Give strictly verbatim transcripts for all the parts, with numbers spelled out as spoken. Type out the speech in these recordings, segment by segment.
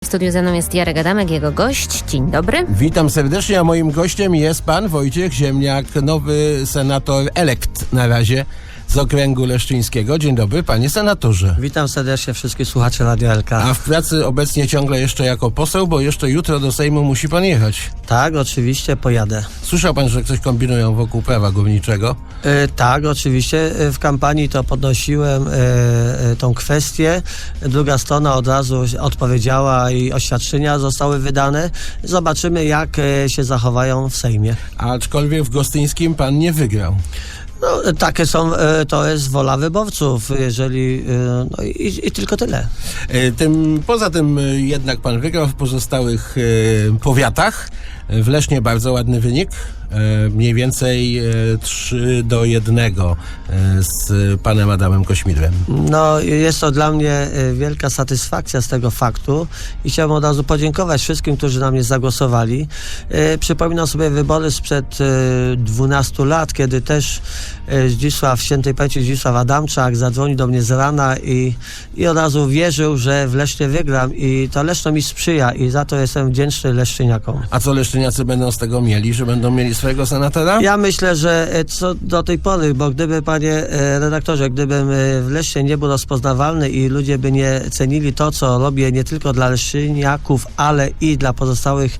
studiu ze mną jest Jarek Adamek, jego gość. Dzień dobry. Witam serdecznie, a moim gościem jest pan Wojciech Ziemniak, nowy senator elekt na razie z okręgu leszczyńskiego. Dzień dobry, panie senatorze. Witam serdecznie wszystkich słuchaczy Radio L K. A w pracy obecnie ciągle jeszcze jako poseł, bo jeszcze jutro do Sejmu musi pan jechać. Tak, oczywiście pojadę. Słyszał pan, że coś kombinują wokół prawa górniczego? E, tak, oczywiście. W kampanii to podnosiłem e, e, tą kwestię. Druga strona od razu odpowiedziała i oświadczenia zostały wydane. Zobaczymy, jak e, się zachowają w Sejmie. Aczkolwiek w Gostyńskim pan nie wygrał. No, takie są, to jest wola wyborców, jeżeli, no i, i tylko tyle. Tym, poza tym jednak pan wygrał w pozostałych powiatach. W Lesznie bardzo ładny wynik, mniej więcej trzy do jednego z panem Adamem Kośmidłem. No, jest to dla mnie wielka satysfakcja z tego faktu i chciałbym od razu podziękować wszystkim, którzy na mnie zagłosowali. Przypominam sobie wybory sprzed dwunastu lat, kiedy też Zdzisław, świętej pamięci Zdzisław Adamczak zadzwonił do mnie z rana i, i od razu wierzył, że w Lesznie wygram i to Leszno mi sprzyja i za to jestem wdzięczny leszczyniakom. A co leszczyniacy będą z tego mieli, że będą mieli swojego senatora? Ja myślę, że co do tej pory, bo gdyby, panie redaktorze, gdybym w Lesznie nie był rozpoznawalny i ludzie by nie cenili to, co robię nie tylko dla leszczyniaków, ale i dla pozostałych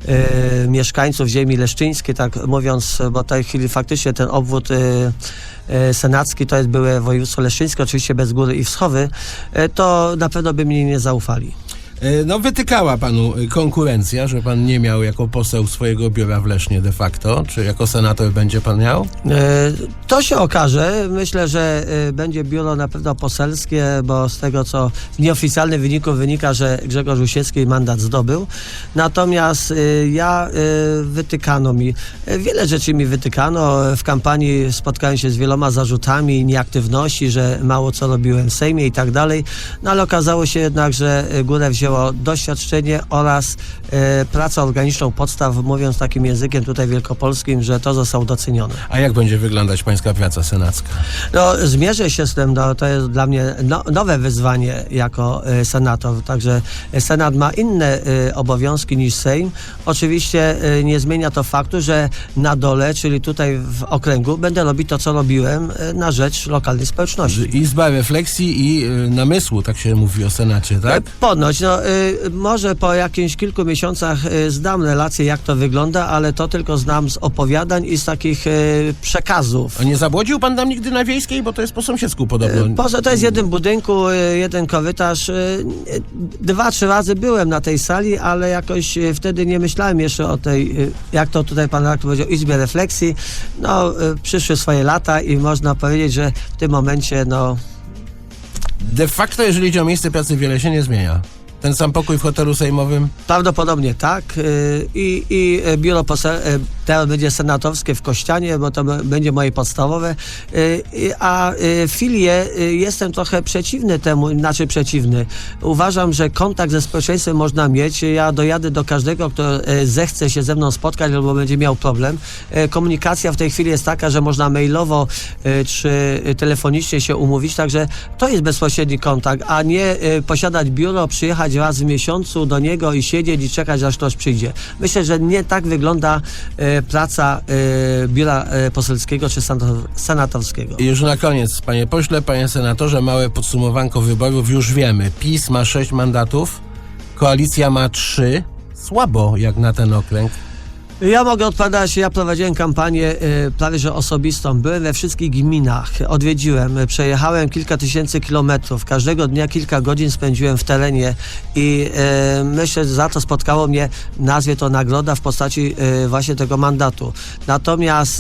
e, mieszkańców ziemi leszczyńskiej, tak mówiąc, bo w tej chwili faktycznie ten obwód e, e, senacki to jest byłe województwo leszczyńskie, oczywiście bez Góry i Wschowy, e, to na pewno by mi nie zaufali. No wytykała panu konkurencja, że pan nie miał jako poseł swojego biura w Lesznie de facto. Czy jako senator będzie pan miał? To się okaże. Myślę, że będzie biuro na pewno poselskie, bo z tego, co z nieoficjalnych wyników wynika, że Grzegorz Usiecki mandat zdobył. Natomiast ja wytykano mi, wiele rzeczy mi wytykano. W kampanii spotkałem się z wieloma zarzutami nieaktywności, że mało co robiłem w Sejmie i tak dalej. No ale okazało się jednak, że górę wzięło doświadczenie oraz e, pracę organiczną podstaw, mówiąc takim językiem tutaj wielkopolskim, że to zostało docenione. A jak będzie wyglądać pańska praca senacka? No, zmierzę się z tym, no, to jest dla mnie no, nowe wyzwanie jako e, senator, także Senat ma inne e, obowiązki niż Sejm. Oczywiście e, nie zmienia to faktu, że na dole, czyli tutaj w okręgu, będę robić to, co robiłem e, na rzecz lokalnej społeczności. Izba refleksji i y, namysłu, tak się mówi o Senacie, tak? Ponoć, no y, może po jakimś kilku miesiącach y, zdam relację, jak to wygląda, ale to tylko znam z opowiadań i z takich y, przekazów. A nie zabłodził pan tam nigdy na Wiejskiej, bo to jest po sąsiedzku podobno. Y, poza to jest jeden budynku, y, jeden korytarz. Y, y, dwa, trzy razy byłem na tej sali, ale jakoś y, wtedy nie myślałem jeszcze o tej, y, jak to tutaj pan redaktor powiedział, Izbie Refleksji. No, y, przyszły swoje lata i można powiedzieć, że w tym momencie, no... De facto, jeżeli chodzi o miejsce pracy, wiele się nie zmienia. Ten sam pokój w hotelu sejmowym? Prawdopodobnie tak. I, i biuro posel, teraz będzie senatowskie w Kościanie, bo to będzie moje podstawowe. A filie jestem trochę przeciwny temu, znaczy przeciwny. Uważam, że kontakt ze społeczeństwem można mieć. Ja dojadę do każdego, kto zechce się ze mną spotkać albo będzie miał problem. Komunikacja w tej chwili jest taka, że można mailowo czy telefonicznie się umówić, także to jest bezpośredni kontakt, a nie posiadać biuro, przyjechać raz w miesiącu do niego i siedzieć i czekać, aż ktoś przyjdzie. Myślę, że nie tak wygląda e, praca e, biura e, poselskiego czy senatorskiego. I już na koniec, panie pośle, panie senatorze, małe podsumowanko wyborów. Już wiemy, PiS ma sześć mandatów, koalicja ma trzy. Słabo jak na ten okręg. Ja mogę odpowiadać, ja prowadziłem kampanię y, prawie że osobistą. Byłem we wszystkich gminach, odwiedziłem, przejechałem kilka tysięcy kilometrów. Każdego dnia kilka godzin spędziłem w terenie i y, myślę, że za to spotkało mnie, nazwie to nagroda w postaci y, właśnie tego mandatu. Natomiast y,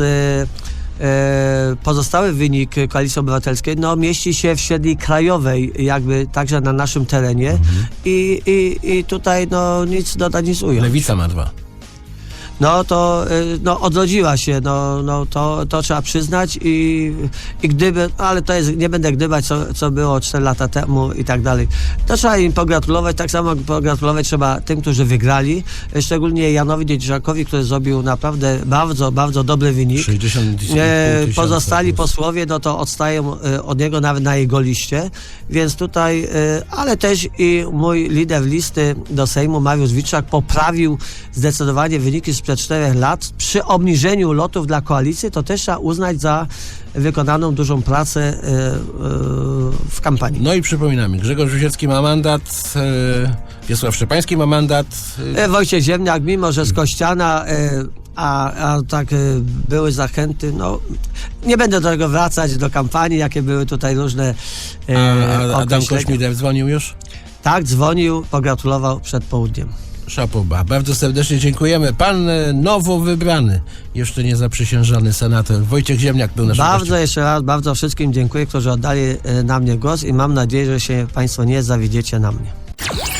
pozostały wynik Koalicji Obywatelskiej no, mieści się w średniej krajowej, jakby także na naszym terenie mhm. I, i, i tutaj no, nic dodać, nic ująć. Lewica ma dwa. no to y, no, odrodziła się, no, no to, to trzeba przyznać i, i gdyby, ale to jest, nie będę gdybać, co, co było cztery lata temu i tak dalej. To trzeba im pogratulować, tak samo pogratulować trzeba tym, którzy wygrali, szczególnie Janowi Niedzierżakowi, który zrobił naprawdę bardzo, bardzo dobry wynik. sześćdziesiąt tysięcy. E, pozostali posłowie, no to odstają e, od niego nawet na jego liście, więc tutaj, e, ale też i mój lider listy do Sejmu, Mariusz Witczak, poprawił zdecydowanie wyniki sprzed czterech lat. Przy obniżeniu lotów dla koalicji to też trzeba uznać za wykonaną dużą pracę e, e, w kampanii. No i przypominamy, Grzegorz Rusiecki ma mandat, e, Wiesław Szczepański ma mandat. E, E, Wojciech Ziemniak, mimo że z Kościana, e, a, a tak e, były zachęty, no nie będę do tego wracać, do kampanii, jakie były tutaj różne e, a, a Adam określenia. Kośmider dzwonił już? Tak, dzwonił, pogratulował przed południem. Szapoba. Bardzo serdecznie dziękujemy. Pan e, nowo wybrany, jeszcze nie zaprzysiężony senator Wojciech Ziemniak był naszym Bardzo gościem. jeszcze raz, bardzo wszystkim dziękuję, którzy oddali e, na mnie głos i mam nadzieję, że się Państwo nie zawiedziecie na mnie.